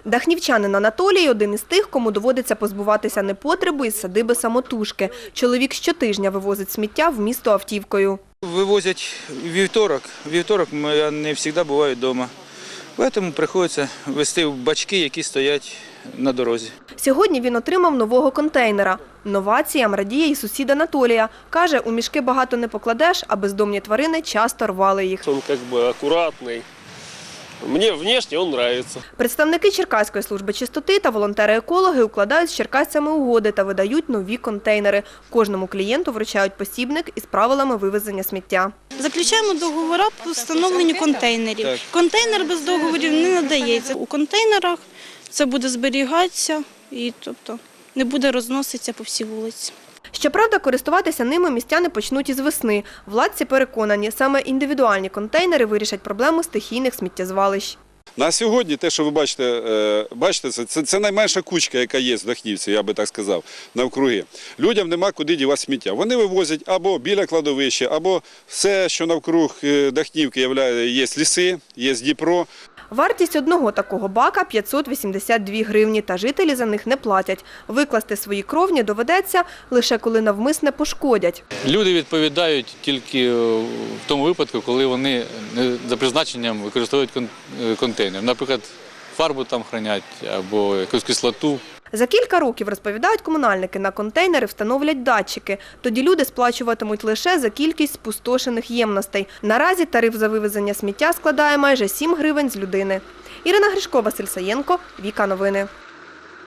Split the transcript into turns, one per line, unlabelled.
Дахнівчанин Анатолій – один із тих, кому доводиться позбуватися непотребу із садиби самотужки. Чоловік щотижня вивозить сміття в місто автівкою.
Вивозять вівторок. Вівторок я не завжди буваю вдома. Тому приходиться везти в бачки, які стоять на дорозі.
Сьогодні він отримав нового контейнера. Новаціям радіє і сусід Анатолія. Каже, у мішки багато не покладеш, а бездомні тварини часто рвали їх.
Він акуратний. Мені внешне він подобається.
Представники Черкаської служби чистоти та волонтери-екологи укладають з черкасцями угоди та видають нові контейнери. Кожному клієнту вручають посібник із правилами вивезення сміття.
Заключаємо договори по встановленню контейнерів. Контейнер без договорів не надається. У контейнерах це буде зберігатися і не буде розноситися по всій вулиці.
Щоправда, користуватися ними містяни почнуть із весни. Владці переконані, саме індивідуальні контейнери вирішать проблему стихійних сміттєзвалищ.
На сьогодні те, що ви бачите, це найменша кучка, яка є в Дахнівці, я би так сказав, навкруги. Людям нема куди дівати сміття. Вони вивозять або біля кладовища, або все, що навкруг Дахнівки є ліси, є Дніпро.
Вартість одного такого бака – 582 гривні, та жителі за них не платять. Викласти свої кровні доведеться лише коли навмисне пошкодять.
Люди відповідають тільки в тому випадку, коли вони за призначенням використовують контейнер. Наприклад, фарбу там хранять або якусь кислоту.
За кілька років, розповідають комунальники, на контейнери встановлять датчики. Тоді люди сплачуватимуть лише за кількість спустошених ємностей. Наразі тариф за вивезення сміття складає майже 7 гривень з людини. Ірина Гришко, Василь Саєнко, Віка Новини.